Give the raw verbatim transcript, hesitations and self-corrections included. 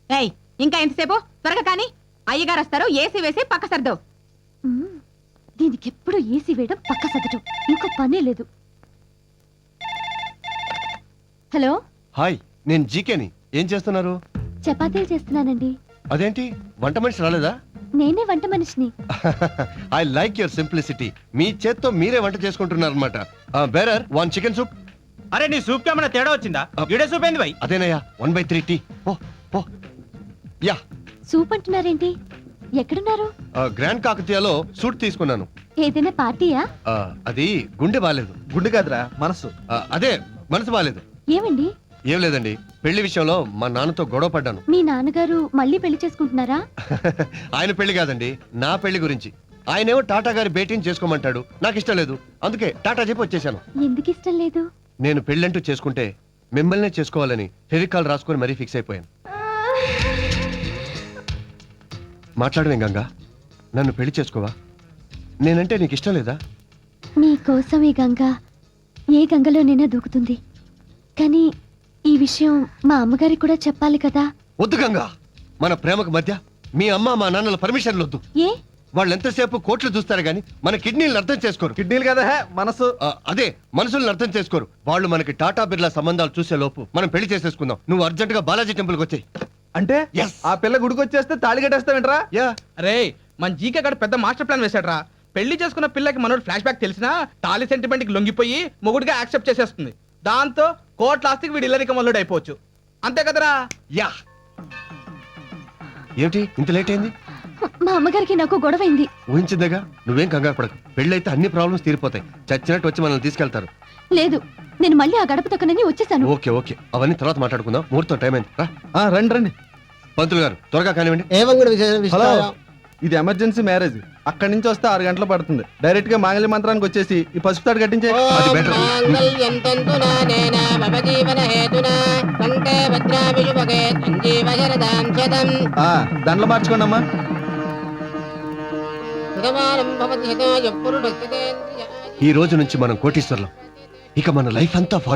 ఏయ్ ఇంకా ఎంతసేపు త్వరగా కానీ అయ్యగారు వస్తారు ఏసీ వేసి పక్క సర్దు దీనికి ఎప్పుడు ఏసీ వేయడం పక్క సర్దటం ఇంకో పనే లేదు. హలో హాయ్, నేను జీకేని. ఏం చేస్తున్నారు? చపాతీలు చేస్తున్నానండి. అదేంటి వంట మనిషి రాలేదా? నేనే వంట మనిషిని. I like your simplicity. మీ చేత్తో మీరే వంట చేసుకుంటున్నారు అనమాట. Bearer one chicken soup. అరే నీ సూప్ కేమన్నా తేడా వచ్చిందా? గిడే సూప్ ఏంది భయ్? అదేనయ్యా, one by three tea. Oh oh yeah. Soup అంటున్నారేంటి? ఎక్కడున్నారు? గ్రాండ్ కాకతీయలో సూట్ తీసుకున్నాను. ఏదైనా పార్టీయా? ఆ, అది గుండె బాలేదు. గుండె కాదురా, మనసు. ఆ, అదే మనసు బాలేదు. ఏమండి? ఏం లేదండి, పెళ్లి విషయంలో మా నాన్నతో గొడవ పడ్డాను. మీ నాన్నగారు మళ్ళీ పెళ్లి చేసుకుంటున్నారా? ఆయన పెళ్లి కాదండి, నా పెళ్లి గురించి. ఆయనేమో టాటా గారి భేటీని చేసుకోమంటాడు. నాకు ఇష్టం లేదు, అందుకే టాటా చెప్పి వచ్చేసాను. ఎందుకు ఇష్టం లేదు? నేను పెళ్ళంటూ చేసుకుంటే మిమ్మల్నే చేసుకోవాలని ఫెవికాల్ రాసుకొని మరీ ఫిక్స్ అయిపోయాను. మాట్లాడవేం గంగా, నన్ను పెళ్లి చేసుకోవా? నేనంటే నీకు ఇష్టం లేదా? మీకోసం ఈ గంగ ఏ గంగలోనైనా దూకుతుంది. కానీ ఈ విషయం మా అమ్మగారికి కూడా చెప్పాలి కదా. వద్దు గంగా, మన ప్రేమకు మధ్య మీ అమ్మ మా నాన్నల పర్మిషన్లు వద్దు. ఏ? వాళ్ళు ఎంతసేపు కోట్లు చూస్తారు గానీ మన కిడ్నీలను అర్థం చేసుకోరు. కిడ్నీలు కదా, హే, మనసు. ఆ, అదే మనుషుల్ని అర్థం చేసుకోరు. వాళ్ళు మనకి టాటా బిర్లా సంబంధాలు చూసే లోపు మనం పెళ్లి చేసేసుకుందాం. నువ్వు అర్జెంట్ గా బాలాజీ టెంపుల్కి వచ్చాయి. అంటే Yes. ఆ పిల్ల గుడికి వచ్చేస్తే తాళి కట్టేస్తావేంట్రా? యా. అరే మన జీకే గడ పెద్ద మాస్టర్ ప్లాన్ వేసాడ్రా. పెళ్లి చేసుకున్న పిల్లకి మనోడు ఫ్లాష్ బ్యాక్ తెలిసినా తాలి సెంటిమెంట్ కి లొంగిపోయి మొగుడిగా యాక్సెప్ట్ చేసేస్తుంది. దాంతో కోట్ల ఆస్తికి వీడు ఇల్లరిక మల్లుడు అయిపోవచ్చు. అంతే కదరా? యా. ఏమిటి ఇంత లేట్ అయింది? మా అమ్మగారికి నాకు గొడవైంది. ఊహించిందేగా, నువ్వేం కంగారు పడకు. పెళ్ళైతే అన్ని ప్రాబ్లమ్స్ తీరిపోతాయి. చచ్చినట్టు వచ్చి మనల్ని తీసుకెళ్తారు. లేదు, నేను మళ్ళీ ఆ గడప తొక్కనని వచ్చేసాను. ఓకే ఓకే, అవన్నీ తర్వాత మాట్లాడుకుందాం. ముహూర్తం టైం అయింది. రా ఆ, రండి రండి. పంతులు గారు త్వరగా కానివ్వండి. హలో, ఇది ఎమర్జెన్సీ మ్యారేజ్. అక్కడి నుంచి వస్తే ఆరు గంటలు పడుతుంది. డైరెక్ట్ గా మాంగళ్య మంత్రానికి వచ్చేసి ఈ పసుపు తాడు కట్టించే. అది బెటర్. ఆ, దండలు మార్చుకోండి అమ్మా. ఈ రోజు నుంచి మనం కోటీశ్వర్లం. ఇక మన లైఫ్ అంతా